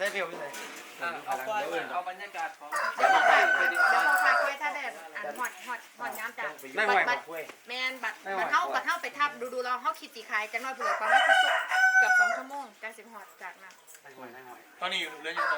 ได้เร็วที่ไหนเอาบรรยากาศของเดี๋ยวพอพาคุยถ้าแบบหอดน้ำจากแมนบัดเข้าไปทับดูเราเข้าขีดสีคายจังน้อยเผื่อประมาณเกือบ2 ชั่วโมงจัง10 หอดจากนั้นตอนนี้อยู่เรื่องยังตอน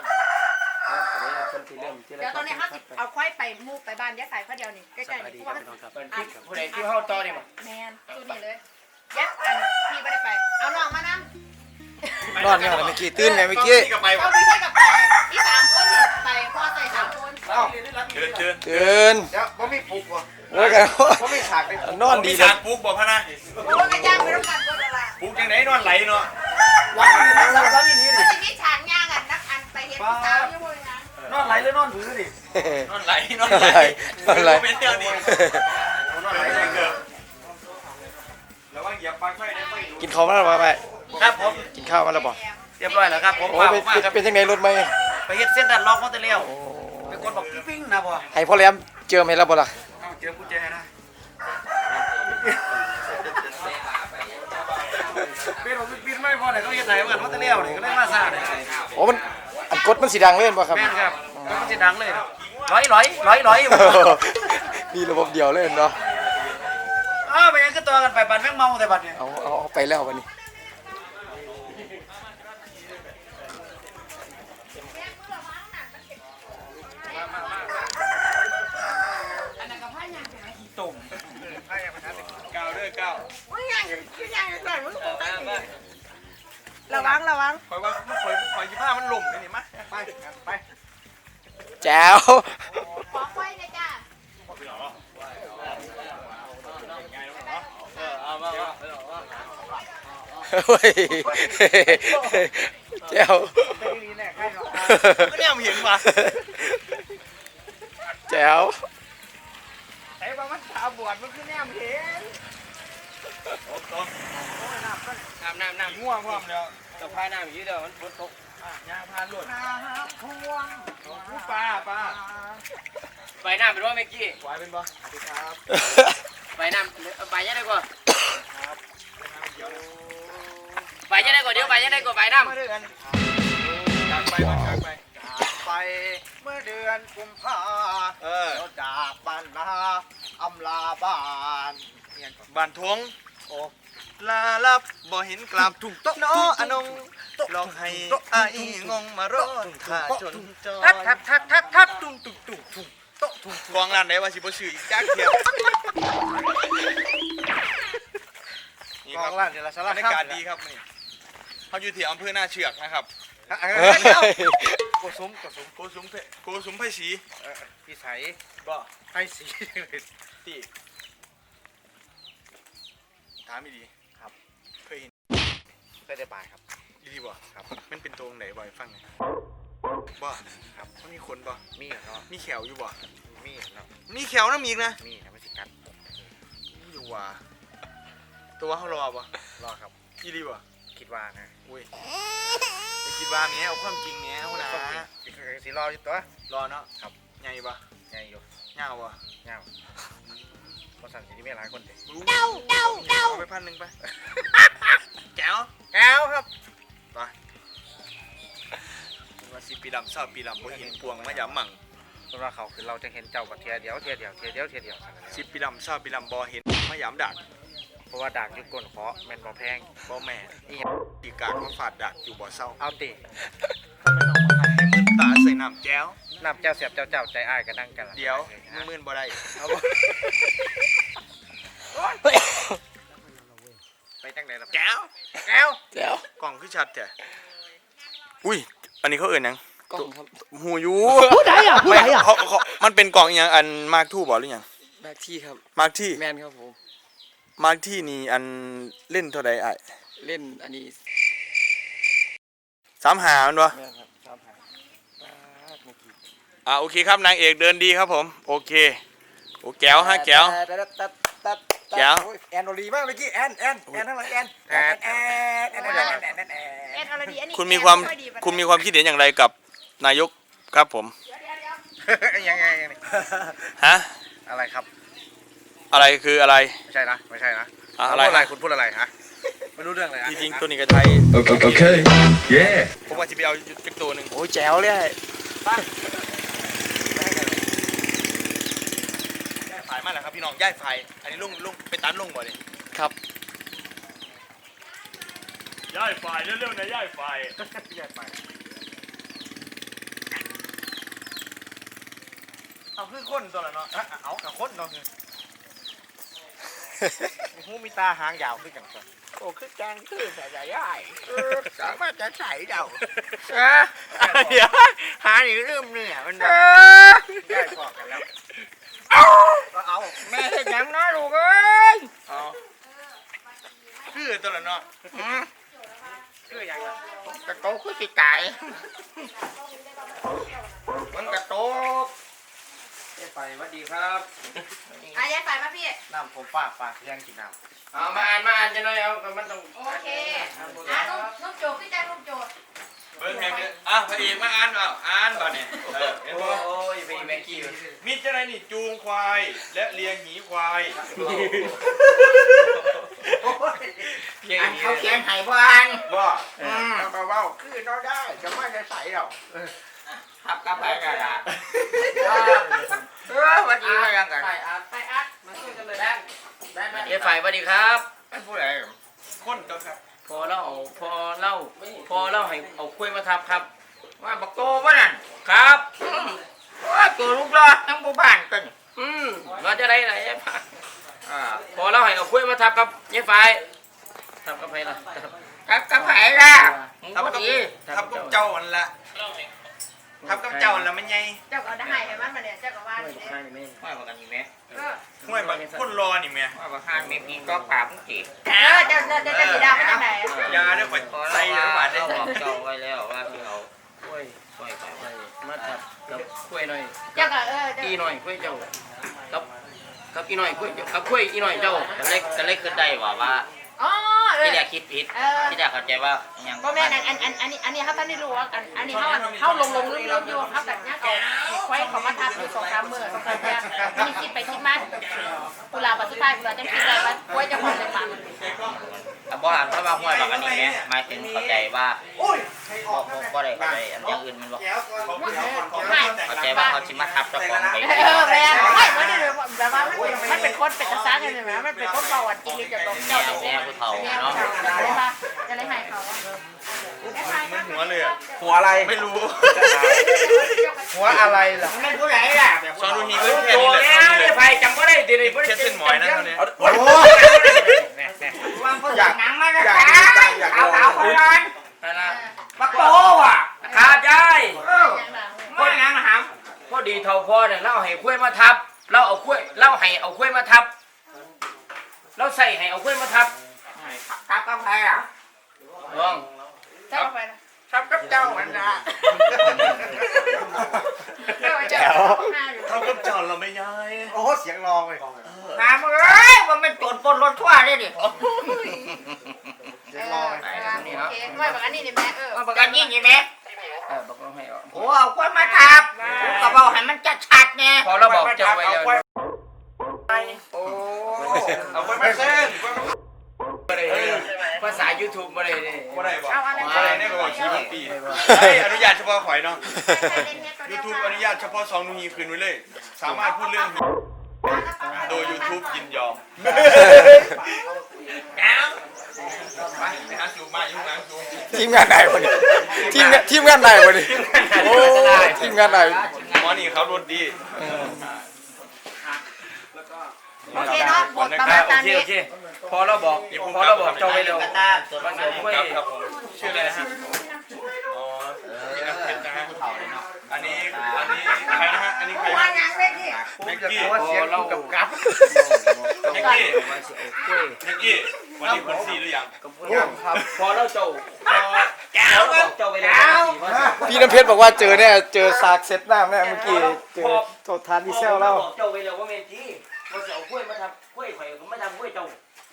เดี๋ยวตอนนี้เขาเอาควายไปมูไปบ้านยัดสายข้าเดียวนี่ใกล้ๆนี่เพราะว่าผู้ใดที่เข้าต่อนี่มั้งแมนตัวนี้เลยยัดอันพี่ไม่ได้ไปเอาน้องมานั่งนอนเนี่ยเมื่อกี้ตื่นไงเมื่อกี้เอาพี่ให้กับไปที่3 คนไปพ่อใส่3 คนตื่นเดี๋ยวบ่มีปลุกวะโอ้ยกันบ่มีฉากเลยนอนดีเลยฉากปลุกบอกพะนะโอ้ยกันย่างไปต้องการตัวละปลุกยังไหนนอนไหลเนาะวันนี้อย่างนี้ดิจะมีฉากย่างอ่ะนักอันไปเห็นสาวยังไงนะนอนไหลหรือนอนถือดินอนไหลเป็นเตียวนี่นอนไหลเกือบแล้วว่าเหยียบปลั๊กไฟได้ไฟดูกินข้าวมาแล้วป่ะไปครับผมกินข้าวมาแล้วป่ะเรียบร้อยแล้วครับผมเป็นยังไงรถไหมไปเฮ็ดเส้นดัดล็อกมอเตอร์เลี้ยวไปกดบอกปิ้งนะบ่ให้พ่อแหลมเจอไหมแล้วบ่ล่ะเจอกุญแจนะปีนไม่พอไหนเขาเฮ็ดไหนเหมือนมอเตอร์เลี้ยวนี่ก็ได้มาซ่าเนี่ยโอ้มันอันกดมันสีดังเล่นป่ะครับแม่นครับมันจะดังเลยร้อยมีระบบเดียวเล่นเนาะไปยังก็ตัวกันไปบัดแม่งเมาแต่บัดเนี่ยเอาไปแล้ววันนี้ตุ่มก้าวด้วยก้าวระวังคอยว่าคอยยี่ห้ามันหล่มเลยนี่มั้ยไปแจ๋วขอไฟเลยจ้าเฮ้ยแจ๋วก็เนี่ยมันเห็นป่ะแจ๋วไอ้บ้ามันตาบวดมันคือเนี่ยมันเห็นน้ำง่วงพร้อมแล้วจะพายน้ำอย่างนี้เดี๋ยวมันฝนตกยาพานหลุดน้ำท่วมปลาไปน้ำเป็นว่าเมื่อกี้ไหวเป็นบ่สวัสดีครับไปน้ำไปยังไงก่อนไปยังไงก่อนเดี๋ยวไปยังไงก่อนไปน้ำจากไปเมื่อเดือนกุมภาเราจากบ้านนาอำลาบ้านทวงโอ้ลาลับบ่เห็นกลับถูกต้องน้ออนงลองให้ไอ้งงมารอท่าจนจอยทักตุ้งกองร้านไหนว่าสิบ่ซื้ออีกจักเที่ยวนี่ครับร้านเดี๋ยวละสารบรรยากาศดีครับนี่เขาอยู่ที่อำเภอหน้าเชือกนะครับโกสุมไผ่สีพี่ใสก็ไผ่สีที่ถามดีครับเคยเห็นเคยได้บายครับดีบ่ครับมันเป็นตรงไหนบ่อยฟังหน่อยบ่ครับมันมีขนบ่มีเนาะมีแขวอยู่บ่มีเนาะมีแขวน้ำอีกนะมีนะไม่สิกัดอยู่ว่ะตัวเขารอบ่รอครับดีบ่คิดว่านะอุ้ยไปคิดว่าเนี้ยเอาความจริงเนี้ยเอานะสิรออยู่ตัวรอเนาะครับใหญ่บ่ใหญ่อยู่เงาบ่เงาพอสั่งทีนี้ไม่หลายคนเลยเดาไป1,000ไปแก้วครับไปว่า10 ปีดำ20 ปีดำบ่เห็นปวงมายามมั่งสำหรับเขาคือเราจะเห็นเจ้ากับเทียเดียว10 ปีดำ20 ปีดำบ่เห็นมายามดักเพราะว่าดักอยู่ก้นเคาะแม่นบ่แพงบ่แม่นี่ปีกากมาฝาดดักอยู่บ่เศร้าเอาติทำไมน้องมาให้มึนตาใส่น้ำแก้วเสียบเจ้าใจอ้ายก็นั่งกันเดี๋ยวมึนบ่ได้เอาบ่ไปจังไหนล่ะแก้วกล่องคือชัดแท้อุ้ยอันนี้เขาเอ่ยยังกล่องครับหูยูผู้ใดอ่ะมันเป็นกล่องอย่างอันมาร์คทูบ่หรือยังมาร์คที่ครับมาร์คที่แมนครับผมมาร์คที่นี่อันเล่นเท่าใดไอ้เล่นอันนี้ 35มันวะแม่นครับโอเคครับนางเอกเดินดีครับผมโอเคโอ้แก้วฮะแก้วแอนโอลีมากเมื่อกี้แอนทั้งหลายแอนอะไรดีอันนี้คุณมีความคิดเห็นอย่างไรกับนายกครับผมยังไงฮะอะไรครับอะไรคืออะไรไม่ใช่นะอะไรคุณพูดอะไรฮะไม่รู้เรื่องเลยจริงๆตัวนี้ก็ไทย Okay. Yeah. ผมว่าจะไปเอาจักตัวหนึ่งโอ้ยแจ๋วเลยย่ายไฟมาแล้วครับพี่น้องย่ายไฟอันนี้ลุงไปตันลุงบ่เนี่ยครับย่ายไฟเร็วๆนะย่ายไฟย่ายไฟเอาคือคนตัวละเนาะเอากับคนเนาะหูมีตาหางยาวขึ้นกันก่อนโอ้คือแกงคือใส่ใหญ่ใหญ่สามารถจะใส่เดาเดี๋ยวหาหนีเริ่มเนี่ยมันย่ายพอกันแล้วเอาแม่เห็นยังนะลูกเอ้ยเอาคือตัวละเนาะคืออย่างไรกระโตคือสิไก่มันกระโตกไปสวัสดีครับย้ายไฟมาพี่น้ำผมฝากยังกินน้ำเอามาอ่านจะหน่อยเอามันต้องโอเคนุ่มโจพี่แจ้งนุ่มโจเบิ้งไงพระเอกมาอ่านเปล่าอ่านเปล่าเนี่ยโอ้ยไปแม็กกี้มิตรอะไรนี่จูงควายและเลี้ยงหมีควายอันเขาเขียนไห้บ้านว่าเบาๆคือเราได้จะไม่ได้ใส่เราทับกับไปกันละวันนี้ยังกันไปอัดมาช่วยกันเลยเอฟไฟสวัสดีครับไม่พูดอะไรคนก็ครับพอเล่าให้เอาคุยมาทับครับ ว่าบักโตวะนั่นครับว่าตัวลูกรอดทั้งหมู่บ้านกันว่าจะได้ไหนพอเล่าให้เอาคุยมาทับครับเอฟไฟทับกับใครล่ะทับกับใครล่ะทับกับเจ้าอันละทับกับเจ้าอันละมันไงเจ้าก็ได้ให้มันมาเนี่ยเจ้าก็ว่านี่ว่าบอกกันนี่ไหมห้วยแบบคนรอนี่แม่ว่าบอกห้างเม็ดนี้ก็ปราบมึงจีเจ้าสีดาไม่ได้ไหนยาได้ข่อยพอใส่เราหวานได้บอกเจ้าไว้แล้วว่าที่เอาคุยไปมาทับกับคุยหน่อยเจ้าก็อีหน่อยคุยเจ้ากับอีหน่อยคุยกับคุยอีหน่อยเจ้าก็เลยขึ้นได้ว่าอ๋อที่แรกคิดผิดที่แรกเข้าใจว่าอย่างก็แม่อันนี้เขาท่านได้รู้ว่ากันอันนี้เขาลงลืมอยู่เขาแบบนี้เอาไว้เขามาทับอยู่2-3 มื้อ2-3 เนี่ยมีคิดไปคิดมากุหลาบสุดท้ายกุหลาบจะคิดอะไรวะไว้จะผ่อนเลยมันบ่อ่านถ้าว่าห้วยบอกอันนี้ไหมหมายถึงเข้าใจว่าบ่ได้อันอย่างอื่นมันบอกเข้าใจว่าเขาชิมาทับเจ้าของไปแม่ไม่ไม่ได้แบบว่ามันเป็นคนเป็นตาซ่ากันเลยไหมมันเป็นคนเบาหวานจริงๆจะตรงเจ้าแม่ผู้เฒ่าเนี่ยเนาะจะเลยให้เขามันหัวเลยอ่ะหัวอะไรไม่รู้หัวอะไรล่ะไม่ผู้ใหญ่ล่ะซอนดูฮีก็แค่นี้แหละเนี่ยไฟจำบ่ได้ดิเลยแค่เส้นหมอยนะเท่านี้โอ้โหวางผู้อยากหนังมาก็เอาคนนั้นบักโตว่ะขาดยายพ่อหนังหำพอดีเท่าพ่อเนี่ยเล่าให้คุยมาทับเล่าให้เอาคุยมาทับเราใส่ให้เอาคุยมาทับทับกับใครอ่ะลองเจ้าไปนะทับกับเจ้ามันนะเจ้าเขาก็จอดเราไม่ย้ายโอ้โหเสียงรองเลยถามเอ้ยว่ามันโจรปล้นรถทั่วเลยดิเสียงรองโอเคไม่บอกอันนี้นี่แม่บอกกันยิ่งใช่ไหมบอกเราให้โอ้เอาคุยมาทับก็บอกให้มันชัดๆไงพอเราบอกเจ้าไว้แล้วโอ้เอาไว้ไม่เส้นภาษา YouTube บ่ได้เลยว่าได้บอกว่าได้เนี่ยก็บอกชีวิตปีอนุญาตเฉพาะข่อยเนาะ YouTube อนุญาตเฉพาะซองนูฮีคืนไว้เลย สามารถพูดเรื่องโดย YouTube ยินยอมไปหาจูมายุ่งหลังจูทีมงานไหนวะนี่ทีมงานไหนวะนี่โอ้ทีมงานไหนหมอนี่เขารถดีโอเคเนาะบทประมาณตามนี้พอเราบอกเจ้าไว้แล้วว่าเดี๋ยวคุยครับผมชื่ออะไรฮะอ๋อนี่นักเขียนนะฮะอันนี้ใครนะฮะอันนี้ใครว่ายังไม่ดีแม็กกี้เสียงเรากับกับแม็กกี้แม็กกี้วันนี้คน4หรือยังพอเราเจ้าเราบอกเจ้าไว้แล้วพี่น้ำเพชรบอกว่าเจอเนี่ยเจอซากเซ็ตหน้าแม่เมื่อกี้เจอโทษทานดีเซลแล้วบอกเจ้าไว้แล้วว่าเมนที่เราจะเอากล้วยมาทำกล้วยไข่ก็ไม่ทำกล้วยเจ้า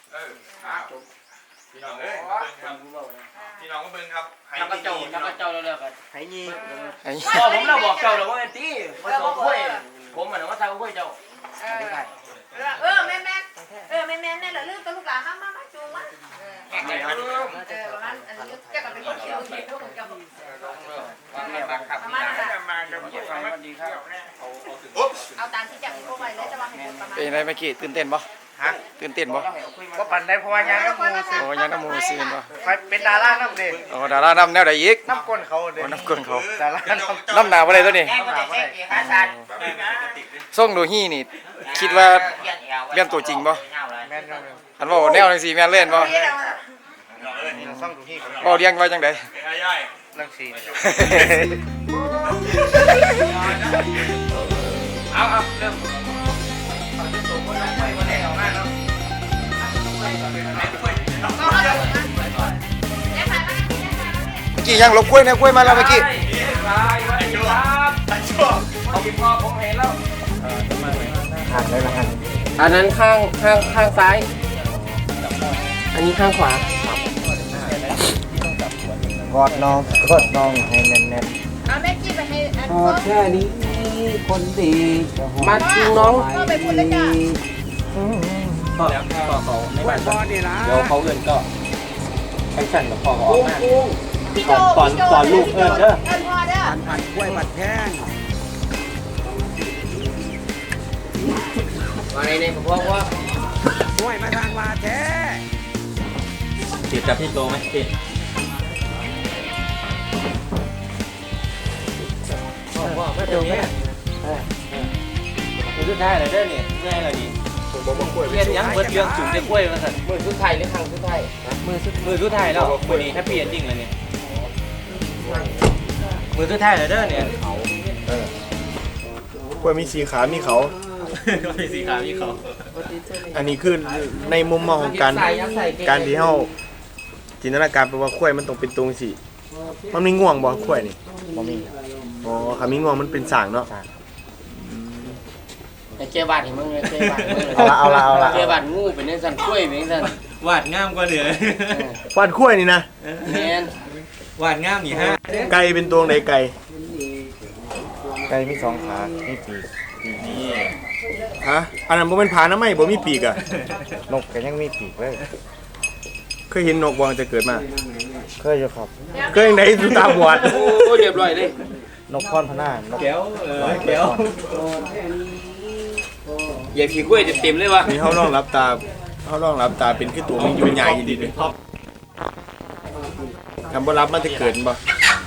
พี่น้องเอ้ยพี่น้องก็เบิ่งครับทำกับเจ้าแล้วกันไอ้นี่พอผมเราบอกเจ้าแล้วว่าเมนที่มาเอากล้วยผมมันว่าทำกล้วยเจ้าแม่แม่แม่เหรอลืมตัวลูกหลานมาจูงมาประมาณอันนี้จะกับเป็นคนคิวที่ทุกคนจะ ประมาณนั้นเอาตามที่จับพวกไปเลยจะวางให้ประมาณเป็นไรเมื่อกี้ตื่นเต้นบ่ฮะตื่นเต้นบ่ก็ปั่นได้เพราะว่ายังน้ำมูโอ้ยังน้ำมูซีนบ่ใครเป็นดาราน้ำเด็โอ้ดาราน้ำแนวใดอีกน้ำก้นเขาเด็โอ้น้ำก้นเขาดาราน้ำน้ำหนาวบ่ได้ตัวนี้ส่งดูฮี่นี่คิดว่าเรื่องตัวจริงบ่แม่นครับอันว่าแนวจังซี่แม่นเล่นบ่ซ่องดูที่บ่เรียงว่าจังได๋เรื่องซีเอาเริ่มตัวคนน้องไปวันไหนออกมาเนาะเมื่อกี้ยังลบกล้วยนะกล้วยมาแล้วเมื่อกี้ครับเอาพี่พ่อผมเห็นแล้วอันนั้นข้างซ้าย อันนี้ข้างขวากอดน้องให้แน่นเอาแม่กี้ไปให้อันพอแค่นี้คนดีมาจริงน้องพ่อไปพูดเลยจ้ะต่อเขาในบ้านเดี๋ยวเขาเงินก็แข่งขันกับพ่อเขาออกมาพี่โจสอนลูกเด้อเอิ้นพ่อเด้อมาในเนี่ยผมว่าติดกับพี่โตไหมติดว่าไม่เจอเนี่ยมือสุดท้ายเลยเด้อเนี่ยง่ายเลยดิเรียนยังเบิดเรื่องจุ่มได้กล้วยมาสั่นมือสุดท้ายหรือครั้งสุดท้ายมือสุดท้ายแล้ววันนี้แฮปปี้เอนดิ้งเลยเนี่ยมือสุดท้ายเลยเด้อเนี่ยกล้วยมีสีขามีเขามีสีขาวมีเขาอันนี้คือในมุมมองของการที่เฮาจินตนาการไปว่ากล้วยมันต้องเป็นตรงสิมันมีง่วงบ่กล้วยนี่บ่มีอ๋อค่ะมีง่วงมันเป็นสางเนาะไอ้เจ้าบาทเห็นมั้งเนี่ยเจ้าบาทเอาละเจ้าบาทงูเป็นเนี่ยสั่นกล้วยเป็นสั่นวาดงามกว่าเดือวาดกล้วยนี่นะแมนวาดงามนี่ฮะไก่เป็นตัวไหนไก่ไก่มี2ขามีปีกฮะอันนั้นบ่เป็นผานะไม่บ่มีปีกอ่ะนกก็ยังมีปีกเลยเคยเห็นนกบ่จะเกิดมาเคยอยู่ครับเคยเห็นไหนสุตาบอดโอ้เรียบร้อยเลยนกพรพนานกแก้วแก้วอย่าผีกล้วยเต็มเลยวะนี่เฮาลองรับตาเป็นคือตัวมันอยู่ใหญ่ดีเลยคำบ่รับมันจะเกิดบ่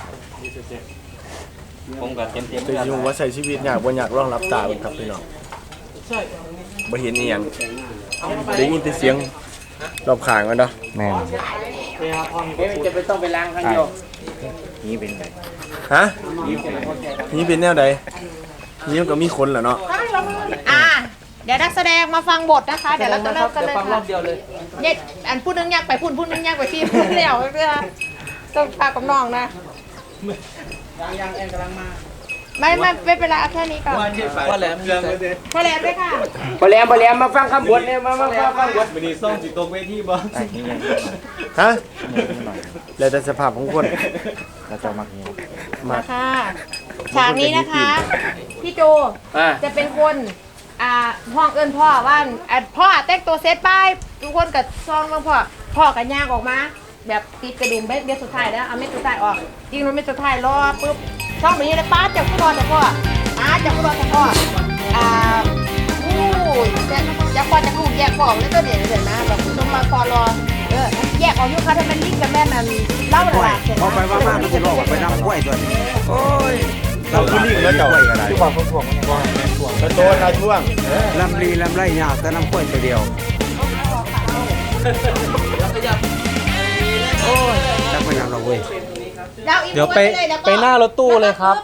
ผมกับเต็มแต่อยู่ว่าใช้ชีวิตยากบ่อยากลองรับตาเบิ่งครับพี่น้องบ่เห็นอีหยังได้ยินแต่เสียงรอบข้างมันเนาะแม่นจะไปต้องไปล้างครั้งเดียวนี่เป็นไงฮะนี่เป็นแนวใดนี่มันก็มีคนแหละเนาะเดี๋ยวนักแสดงมาฟังบทนะคะ เดี๋ยวเราจะเริ่มกันเลยฟังรอบเดียวเลยเนี่ยอันพูดนึงยากไปพูดนึงยากไปที่พูดเดี่ยวเพื่อต้องพากับน้องนะยังกำลังมาไม่เป็นไรเอาแค่นี้ก่อนว่าแหลมเรื่องเลยแค่แล้วด้วยค่ะพอแหลมมาฟังคำบทเนี่ยมาฟังบทวันนี้ซ่องจิตตกเวทีบ่ไอ้นี่ไงฮะนี่หน่อยแล้วแต่สภาพของคนแล้วจะมักนี้มาค่ะฉากนี้นะคะ พี่โจอ่าจะเป็นคนห้องเอิญพ่อว่าพ่อแต่งตัวเซตป้ายทุกคนกับซองบางพ่อกับย่างออกมา แบบติดกระดุมเม็ดสุดท้ายแล้วเอาเม็ดสุดท้ายออกจริงๆเม็ดสุดท้ายรอปุ๊บช่องแบบนี้เลยป้าจับผู้รอแต่พ่อจับผู้รอแต่พ่อจะพอจะถูกแยกของแล้วก็เดี๋ยวนะแบบต้องมาคอรอแยกออกยุคเขาทำเป็นลิงกับแม่มันเล่าหลักเสร็จแล้วไปว่ามันจะลอกไปนำกล้วยตัวนี้โอ้ยเราคือลิงแล้วเจ้าอะไรที่บอกพวกมันว่ากระโดดเราช่วงลำลีลำไรยาวแต่น้ำข้วยตัวเดียว โอ้ยจักรยานเราเว้ยเดี๋ยวไปหน้ารถตู้เลยครับ